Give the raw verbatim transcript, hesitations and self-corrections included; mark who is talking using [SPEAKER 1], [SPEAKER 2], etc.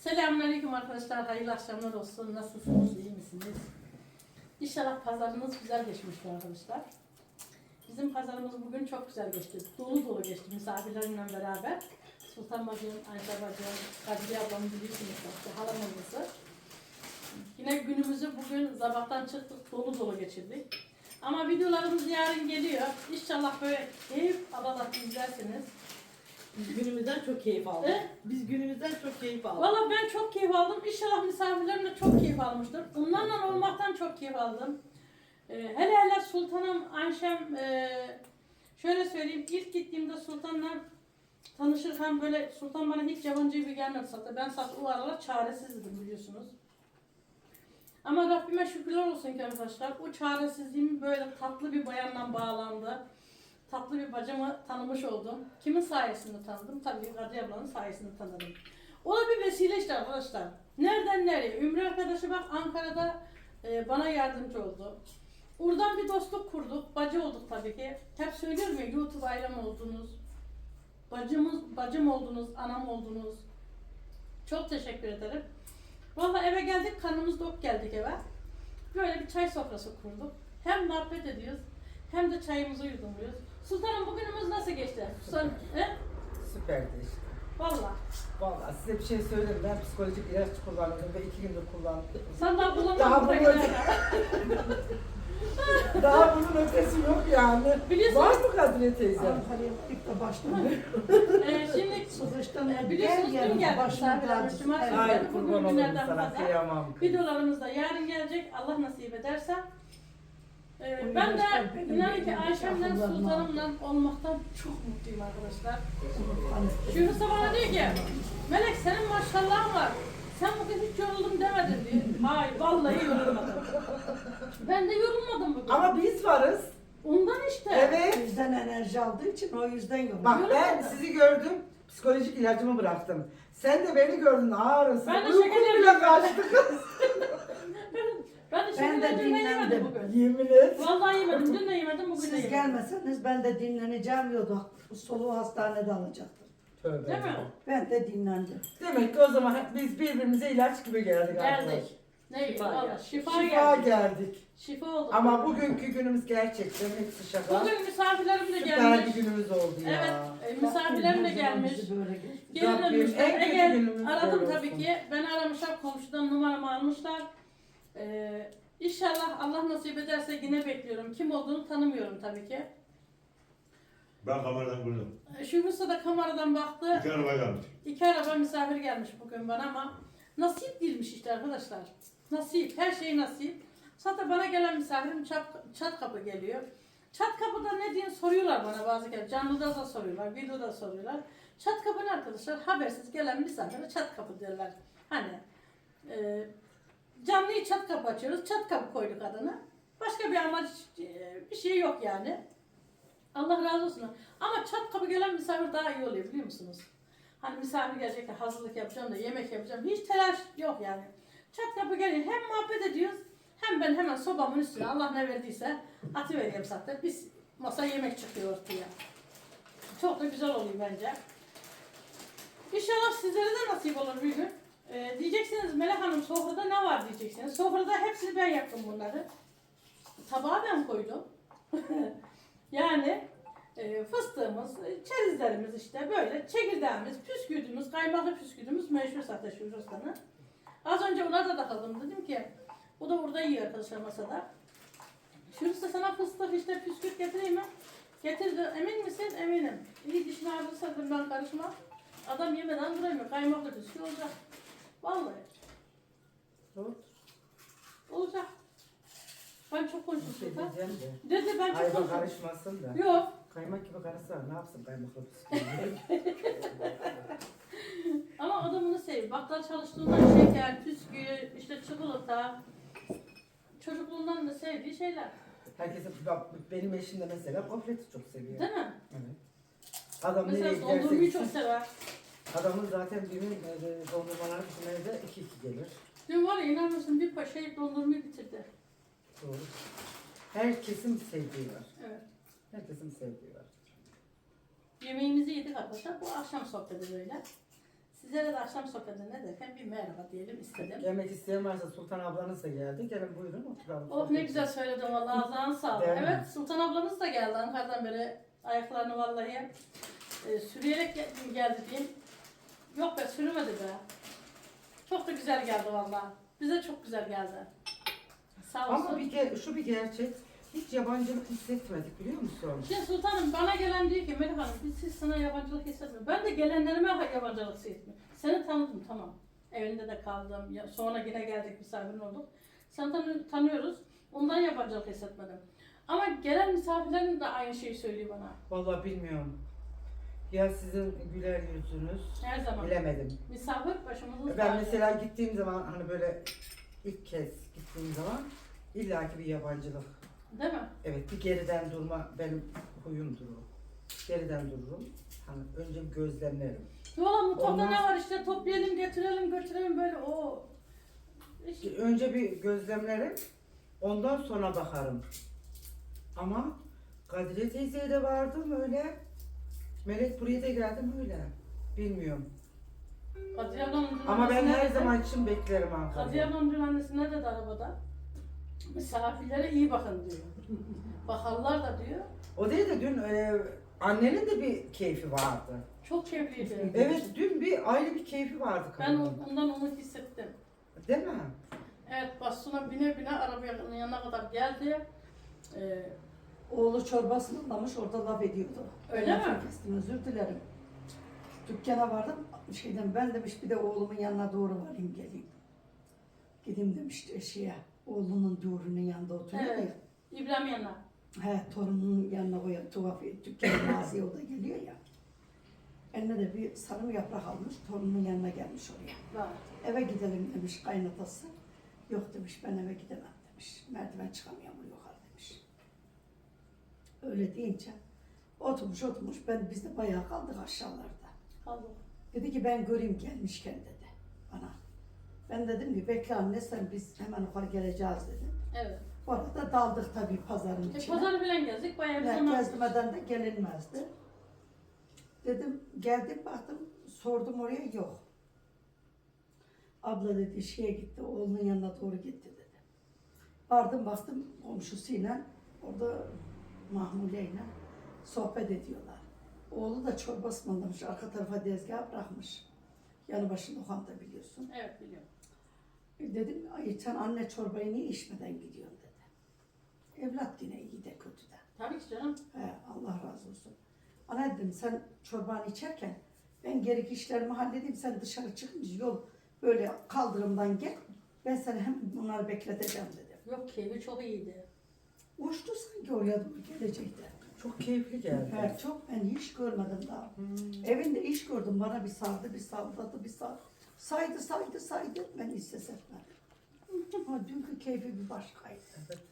[SPEAKER 1] Selamünaleyküm arkadaşlar, hayırlı akşamlar olsun. Nasılsınız, iyi misiniz? İnşallah pazarınız güzel geçmiştir arkadaşlar. Bizim pazarımız bugün çok güzel geçti. Dolu dolu geçti misafirlerimle beraber. Sultan bacım, Ayşe bacım, Kadriye ablamı biliyorsunuz işte, halam olması. Yine günümüzü bugün sabahtan çıktık, dolu dolu geçirdik. Ama videolarımız yarın geliyor. İnşallah böyle keyif alarak izlersiniz.
[SPEAKER 2] Biz günümüzden çok keyif aldık.
[SPEAKER 1] E?
[SPEAKER 2] Biz günümüzden çok keyif aldık.
[SPEAKER 1] Valla ben çok keyif aldım. İnşallah misafirlerim de çok keyif almıştır. Onlarla olmaktan çok keyif aldım. Ee, hele hele Sultanım, Ayşem, e, şöyle söyleyeyim. İlk gittiğimde Sultan'la tanışırken böyle Sultan bana hiç yabancı gibi gelmedi zaten. Ben zaten o aralar çaresizdim biliyorsunuz. Ama Rabbime şükürler olsun ki arkadaşlar. O çaresizliğim böyle tatlı bir bayanla bağlandı. Tatlı bir bacımı tanımış oldum. Kimin sayesinde tanıdım? Tabii Kadriye ablanın sayesinde tanıdım. O da bir vesile işte arkadaşlar. Nereden nereye? Ümre arkadaşı bak Ankara'da e, bana yardımcı oldu. Oradan bir dostluk kurduk. Bacı olduk tabii ki. Hep söylüyorum ya, YouTube ailem oldunuz. Bacımız, bacım oldunuz, anam oldunuz. Çok teşekkür ederim. Vallahi eve geldik, karnımız dok geldik eve. Böyle bir çay sofrası kurduk. Hem muhabbet ediyoruz, hem de çayımızı yudumluyoruz. Sultanım bugünümüz nasıl geçti? Sultan, he?
[SPEAKER 3] Süperdi işte.
[SPEAKER 1] Vallahi.
[SPEAKER 3] Vallahi size bir şey söyleyeyim. Ben psikolojik ilaç kullandım ve iki gündür kullandım.
[SPEAKER 1] Sen daha bulamadın.
[SPEAKER 3] Daha
[SPEAKER 1] buraya
[SPEAKER 3] bulamadım.
[SPEAKER 1] kadar.
[SPEAKER 3] Daha bunun ötesi yok yani.
[SPEAKER 1] Biliyorsunuz-
[SPEAKER 3] Var mı Kadriye teyze?
[SPEAKER 4] Ankara'ya gittik de başladı.
[SPEAKER 1] Ee, şimdi
[SPEAKER 4] Sıkıştım.
[SPEAKER 1] e, biliyorsunuz dün geldi misafirlerimiz. Cumartesi
[SPEAKER 3] Ay
[SPEAKER 1] geldi.
[SPEAKER 3] kurban
[SPEAKER 1] Bugün
[SPEAKER 3] olurum
[SPEAKER 1] günlerden
[SPEAKER 3] sana,
[SPEAKER 1] fazla.
[SPEAKER 3] kıyamam.
[SPEAKER 1] Videolarımız da yarın gelecek. Allah nasip ederse. Ee,
[SPEAKER 4] O
[SPEAKER 1] ben de
[SPEAKER 4] yüzden benim
[SPEAKER 1] inan ki
[SPEAKER 4] elimdeki
[SPEAKER 1] Ayşem'le
[SPEAKER 4] akıllarını
[SPEAKER 1] Sultanım'la olmaktan çok mutluyum arkadaşlar.
[SPEAKER 4] Hani
[SPEAKER 1] Şurası bana diyor ki, Melek senin maşallahın var. Sen bugün hiç yoruldum demedin diye. Hayır vallahi yorulmadım. Ben de yorulmadım bugün.
[SPEAKER 3] Ama biz varız.
[SPEAKER 1] Ondan işte.
[SPEAKER 3] Evet.
[SPEAKER 4] bizden enerji aldığı için o yüzden yok.
[SPEAKER 3] Bak ben
[SPEAKER 1] Yorulmadım.
[SPEAKER 3] sizi gördüm. Psikolojik ilacımı bıraktım. Sen de beni gördün ağrısın.
[SPEAKER 1] Ben de
[SPEAKER 3] Uykum
[SPEAKER 1] şekerleri
[SPEAKER 3] bile kaçtı kız.
[SPEAKER 1] Ben de
[SPEAKER 4] Ben
[SPEAKER 1] şeker
[SPEAKER 4] de
[SPEAKER 1] acıyla yemedim
[SPEAKER 4] dinlendim.
[SPEAKER 1] bugün.
[SPEAKER 3] Yemin et.
[SPEAKER 1] Vallahi yemedim. Dün de yemedim, bugün de
[SPEAKER 4] Siz
[SPEAKER 1] yemedim.
[SPEAKER 4] gelmeseniz ben de dinleneceğim diyordu. Soluğu hastanede alacaktım.
[SPEAKER 3] Tövbe.
[SPEAKER 1] Değil mi?
[SPEAKER 4] Ben de dinlendim.
[SPEAKER 3] Demek ki o zaman biz birbirimize ilaç gibi geldik arkadaşlar.
[SPEAKER 1] Geldik. Ne?
[SPEAKER 2] Şifa
[SPEAKER 1] Valla
[SPEAKER 2] geldi.
[SPEAKER 1] şifa,
[SPEAKER 3] Şifa
[SPEAKER 1] geldi.
[SPEAKER 3] geldik.
[SPEAKER 1] Şifa oldu.
[SPEAKER 3] Ama bugünkü günümüz gerçekten hepsi şaka.
[SPEAKER 1] Bugün misafirlerim de
[SPEAKER 3] Süper
[SPEAKER 1] gelmiş.
[SPEAKER 3] bir günümüz oldu ya.
[SPEAKER 1] Evet, e, misafirlerim de
[SPEAKER 4] Rabbim her zaman
[SPEAKER 1] gelmiş.
[SPEAKER 4] bizi böyle geçti.
[SPEAKER 1] Geri
[SPEAKER 3] Rabbim
[SPEAKER 1] dönmüşler.
[SPEAKER 3] en kötü
[SPEAKER 1] Ege
[SPEAKER 3] günümüz
[SPEAKER 1] aradım
[SPEAKER 3] böyle
[SPEAKER 1] tabii
[SPEAKER 3] olsun.
[SPEAKER 1] ki. Beni aramışlar, komşudan numaramı almışlar. Ee, İnşallah Allah nasip ederse yine bekliyorum. Kim olduğunu tanımıyorum tabii ki.
[SPEAKER 5] Ben kameradan gördüm.
[SPEAKER 1] Ee, Şu Musa da kameradan baktı.
[SPEAKER 5] İki araba gelmiş.
[SPEAKER 1] İki araba misafir gelmiş bugün bana ama nasip değilmiş işte arkadaşlar. Nasip, her şey nasip. Zaten bana gelen misafirim çat, çat kapı geliyor. Çat kapıda ne diye soruyorlar bana bazı kere. Canlıda da soruyorlar, videoda da soruyorlar. Çat kapı ne arkadaşlar? Habersiz gelen misafire çat kapı derler. Hani e, canlıyı çat kapı açıyoruz, çat kapı koyduk adını. Başka bir amaç, e, bir şey yok yani. Allah razı olsun. Ama çat kapı gelen misafir daha iyi oluyor biliyor musunuz? Hani misafir gelecek de hazırlık yapacağım da yemek yapacağım. Hiç telaş yok yani. Çat kapı geliyor. Hem muhabbet ediyoruz hem ben hemen sobamın üstüne Allah ne verdiyse atıvereyim zaten. Biz masa yemek çıkıyor ortaya. Çok da güzel oluyor bence. İnşallah sizlere de nasip olur bir gün. Ee, diyeceksiniz Melek Hanım sofrada ne var diyeceksiniz. Sofrada hepsini ben yaptım bunları. Tabağa ben koydum. Yani e, fıstığımız, çerezlerimiz işte böyle, çekirdeğimiz, püskürdüğümüz, kaymaklı püskürdüğümüz meşhur zaten Şurustan'ı. Az önce ona da takıldım, dedim ki o da burada yiyor arkadaşlar masada. Şurası sana fıstık işte püskürt getireyim mi? Getirdi, emin misin? Eminim. İyi dişini ağrırsa dedim ben karışmam. Adam yemeden duramıyor, kaymaklı püskürt olacak. Vallahi.
[SPEAKER 3] Dur.
[SPEAKER 1] Olacak. Ben çok
[SPEAKER 3] Bir
[SPEAKER 1] konuştum
[SPEAKER 3] şey
[SPEAKER 1] Sultan.
[SPEAKER 3] diyeceğim de.
[SPEAKER 1] Dedi ben çok
[SPEAKER 3] Ayva
[SPEAKER 1] konuştum.
[SPEAKER 3] karışmasın da.
[SPEAKER 1] Yok.
[SPEAKER 3] Kaymak gibi karışsa ne yapsın kaymakla bisküvi?
[SPEAKER 1] Ama adamını seviyor. Bakkal çalıştığından şeker, püskü, işte çikolata. Çocukluğundan da sevdiği şeyler.
[SPEAKER 3] Herkesin, bak benim eşim de mesela gofreti çok seviyor.
[SPEAKER 1] Değil mi?
[SPEAKER 3] Evet. Adam nereye
[SPEAKER 1] Mesela
[SPEAKER 3] giderse
[SPEAKER 1] dondurmayı çok
[SPEAKER 3] gitsin.
[SPEAKER 1] sever.
[SPEAKER 3] Adamın zaten birinin e, dondurmalar bizim evde iki iki gelir.
[SPEAKER 1] Dün var ya inanır mısın bir paşa dondurmayı bitirdi.
[SPEAKER 3] Doğru. Herkesin bir sevdiği var.
[SPEAKER 1] Evet.
[SPEAKER 3] Herkesin bir sevdiği var.
[SPEAKER 1] Yemeğimizi yedik arkadaşlar. Bu akşam sohbeti böyle. Sizlere de akşam sohbetine derken bir merhaba diyelim istedim.
[SPEAKER 3] Gelmek isteyen varsa Sultan ablanız da geldi. Gelin buyurun oturalım.
[SPEAKER 1] Oh ne güzel söyledin vallahi ağzına sağlık.
[SPEAKER 3] Değil mi?
[SPEAKER 1] Evet Sultan ablamız da geldi Ankara'dan beri ayaklarını vallahi e, sürüyerek gel- geldi diyeyim. Yok be sürümedi be. Çok da güzel geldi vallahi. Bize çok güzel geldi. Sağ olsun.
[SPEAKER 3] Ama bir ge- şu bir gerçek. Hiç yabancılık hissetmedik biliyor musun?
[SPEAKER 1] Şimdi sultanım bana gelen diyor ki Melih Hanım biz siz sana yabancılık hissetmiyor. Ben de gelenlerime yabancılık hissetmiyorum. Seni tanıdım tamam. Evinde de kaldım. Ya- Sonra yine geldik misafirin olduk. Seni tanı- tanıyoruz. Ondan yabancılık hissetmedim. Ama gelen misafirlerin de aynı şeyi söylüyor bana.
[SPEAKER 3] Vallahi bilmiyorum. Ya sizin güler yüzünüz.
[SPEAKER 1] Her zaman.
[SPEAKER 3] Bilemedim.
[SPEAKER 1] Misafir başımızın
[SPEAKER 3] Ben
[SPEAKER 1] tacı.
[SPEAKER 3] mesela gittiğim zaman hani böyle ilk kez gittiğim zaman illaki bir yabancılık.
[SPEAKER 1] Değil mi?
[SPEAKER 3] Evet bir geriden durma benim huyumdur o. Geriden dururum. Hani önce bir gözlemlerim.
[SPEAKER 1] Valla mutfakta
[SPEAKER 3] Ondan-
[SPEAKER 1] ne var işte toplayalım, getirelim, götürelim böyle o. İş-
[SPEAKER 3] Önce bir gözlemlerim. Ondan sonra bakarım. Ama Kadriye teyzeye de vardım öyle. Melek buraya da geldim öyle. Bilmiyorum.
[SPEAKER 1] Kadriye ablamın dün
[SPEAKER 3] Ama ben
[SPEAKER 1] annesi
[SPEAKER 3] her
[SPEAKER 1] nerede?
[SPEAKER 3] zaman için beklerim
[SPEAKER 1] Kadriye
[SPEAKER 3] Ankara'ya.
[SPEAKER 1] ablamın dün annesi ne dedi arabada? Misafirlere iyi bakın diyor. Bakarlar da diyor.
[SPEAKER 3] O değil de dün e, annenin de bir keyfi vardı.
[SPEAKER 1] Çok keyifliydi.
[SPEAKER 3] Evet dün bir ayrı bir keyfi vardı
[SPEAKER 1] Ben
[SPEAKER 3] kadının.
[SPEAKER 1] ondan onu hissettim.
[SPEAKER 3] Değil mi?
[SPEAKER 1] Evet basına bine bine arabanın yanına kadar geldi. Ee,
[SPEAKER 4] Oğlu çorbasını anlamış orada laf ediyordu.
[SPEAKER 1] Öyle
[SPEAKER 4] Ben
[SPEAKER 1] mi?
[SPEAKER 4] lafını kestim özür dilerim. Dükkana vardım şeyden ben demiş bir de oğlumun yanına doğru varayım geleyim. Gideyim demişti eşeğe. Oğlunun doğrunun yanında oturuyor
[SPEAKER 1] Evet. İbrahim yanına.
[SPEAKER 4] ya. He torununun yanına koyuyor. Tuhaf dükkanın Naziye o da geliyor ya. Eline de bir sarım yaprak almış. Torunun yanına gelmiş oraya.
[SPEAKER 1] Var.
[SPEAKER 4] Eve gidelim demiş kaynatası. Yok demiş ben eve gidemem demiş. Merdiven çıkamıyorum yukarı demiş. Öyle deyince oturmuş oturmuş ben biz de bayağı kaldık aşağılarda.
[SPEAKER 1] Kaldı.
[SPEAKER 4] Dedi ki ben göreyim gelmişken dedi bana. Ben dedim ki bekle anne sen biz hemen yukarı geleceğiz dedim.
[SPEAKER 1] Evet.
[SPEAKER 4] Bu arada daldık tabii pazarın
[SPEAKER 1] E,
[SPEAKER 4] içine.
[SPEAKER 1] pazarı falan gezdik. Bayağı bir
[SPEAKER 4] Ya,
[SPEAKER 1] zaman.
[SPEAKER 4] gezmeden de gelinmezdi. Dedim geldim baktım sordum oraya yok. Abla dedi şeye gitti oğlunun yanına doğru gitti dedi. Vardım baktım komşusuyla orada Mahmule'yle sohbet ediyorlar. Oğlu da çorba ısmarlamış arka tarafa tezgah bırakmış. Yanı başında lokanta biliyorsun.
[SPEAKER 1] Evet biliyorum.
[SPEAKER 4] E, Dedim ay sen anne çorbayı niye içmeden gidiyorsun dedi. Evlat yine iyi de kötü de.
[SPEAKER 1] Tabii ki canım.
[SPEAKER 4] He, Allah razı olsun. Ana dedim sen çorbanı içerken ben gerekli işlerimi halledeyim sen dışarı çıkınca yol böyle kaldırımdan gel. Ben seni hem bunları bekleteceğim dedim.
[SPEAKER 1] Yok keyfi çok iyiydi.
[SPEAKER 4] Uçtu sanki oraya doğru gelecekti.
[SPEAKER 3] Çok keyifli geldi.
[SPEAKER 4] He, çok ben hiç görmedim daha. Evinde iş gördüm bana bir sardı bir salladı bir sardı. Saydı saydı saydı ben hiç ses etmedim. Ama dünkü keyfi bir başkaydı.
[SPEAKER 3] Evet.